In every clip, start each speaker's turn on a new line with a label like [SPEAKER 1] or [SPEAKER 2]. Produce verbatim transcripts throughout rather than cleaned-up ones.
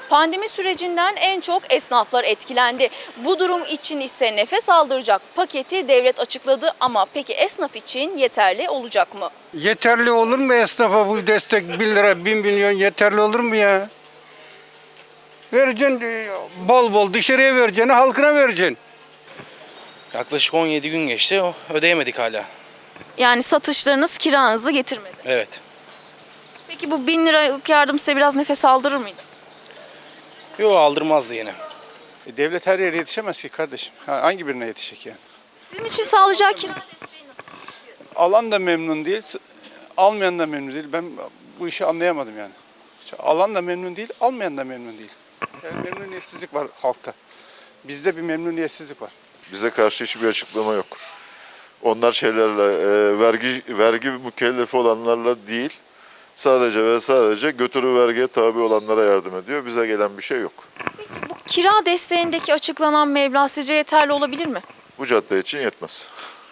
[SPEAKER 1] Pandemi sürecinden en çok esnaflar etkilendi. Bu durum için ise nefes aldıracak paketi devlet açıkladı ama peki esnaf için yeterli olacak mı?
[SPEAKER 2] Yeterli olur mu esnafa bu destek bin lira, bin milyon yeterli olur mu ya? Vereceksin e, bol bol dışarıya vereceksin, halkına vereceksin.
[SPEAKER 3] Yaklaşık on yedi gün geçti. o- Ödeyemedik hala.
[SPEAKER 1] Yani satışlarınız kiranızı getirmedi.
[SPEAKER 3] Evet.
[SPEAKER 1] Peki bu bin liralık yardım size biraz nefes aldırır mıydı?
[SPEAKER 3] Yo aldırmazdı yine.
[SPEAKER 4] E, devlet her yere yetişemez ki kardeşim. Ha, hangi birine yetişecek yani?
[SPEAKER 1] Sizin için sağlayacağı kira desteği nasıl?
[SPEAKER 4] Alan da memnun değil, s- almayan da memnun değil. Ben bu işi anlayamadım yani. İşte alan da memnun değil, almayan da memnun değil. Yani memnuniyetsizlik var halkta. Bizde bir memnuniyetsizlik var.
[SPEAKER 5] Bize karşı hiçbir açıklama yok. Onlar şeylerle, e, vergi vergi mükellefi olanlarla değil, sadece ve sadece götürü vergiye tabi olanlara yardım ediyor. Bize gelen bir şey yok.
[SPEAKER 1] Bu kira desteğindeki açıklanan meblağ sizce yeterli olabilir mi?
[SPEAKER 5] Bu cadde için yetmez.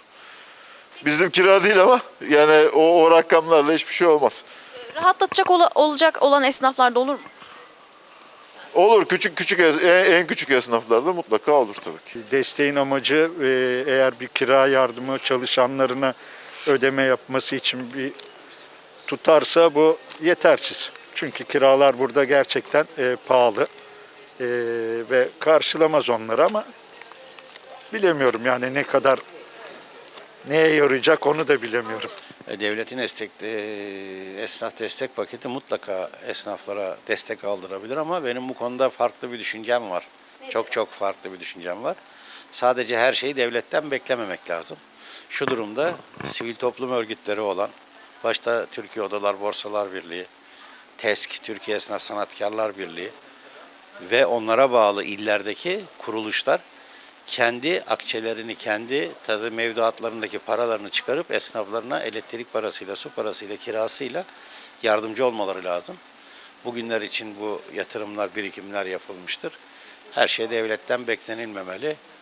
[SPEAKER 5] Bizim kira değil ama yani o, o rakamlarla hiçbir şey olmaz.
[SPEAKER 1] Rahatlatacak ola- olacak olan esnaflar da olur mu?
[SPEAKER 5] Olur, küçük küçük es- en, en küçük esnaflarda mutlaka olur tabii ki.
[SPEAKER 6] Desteğin amacı e, eğer bir kira yardımı çalışanlarına ödeme yapması için bir tutarsa bu yetersiz. Çünkü kiralar burada gerçekten e, pahalı e, ve karşılamaz onları ama bilemiyorum yani ne kadar neye yarayacak onu da bilemiyorum.
[SPEAKER 7] E, Devletin destek, e, esnaf destek paketi mutlaka esnaflara destek aldırabilir ama benim bu konuda farklı bir düşüncem var. Çok çok farklı bir düşüncem var. Sadece her şeyi devletten beklememek lazım. Şu durumda sivil toplum örgütleri olan, başta Türkiye Odalar Borsalar Birliği, TESK, Türkiye Esnaf Sanatkarlar Birliği ve onlara bağlı illerdeki kuruluşlar kendi akçelerini, kendi tadı mevduatlarındaki paralarını çıkarıp esnaflarına elektrik parasıyla, su parasıyla, kirasıyla yardımcı olmaları lazım. Bugünler için bu yatırımlar, birikimler yapılmıştır. Her şey devletten beklenilmemeli.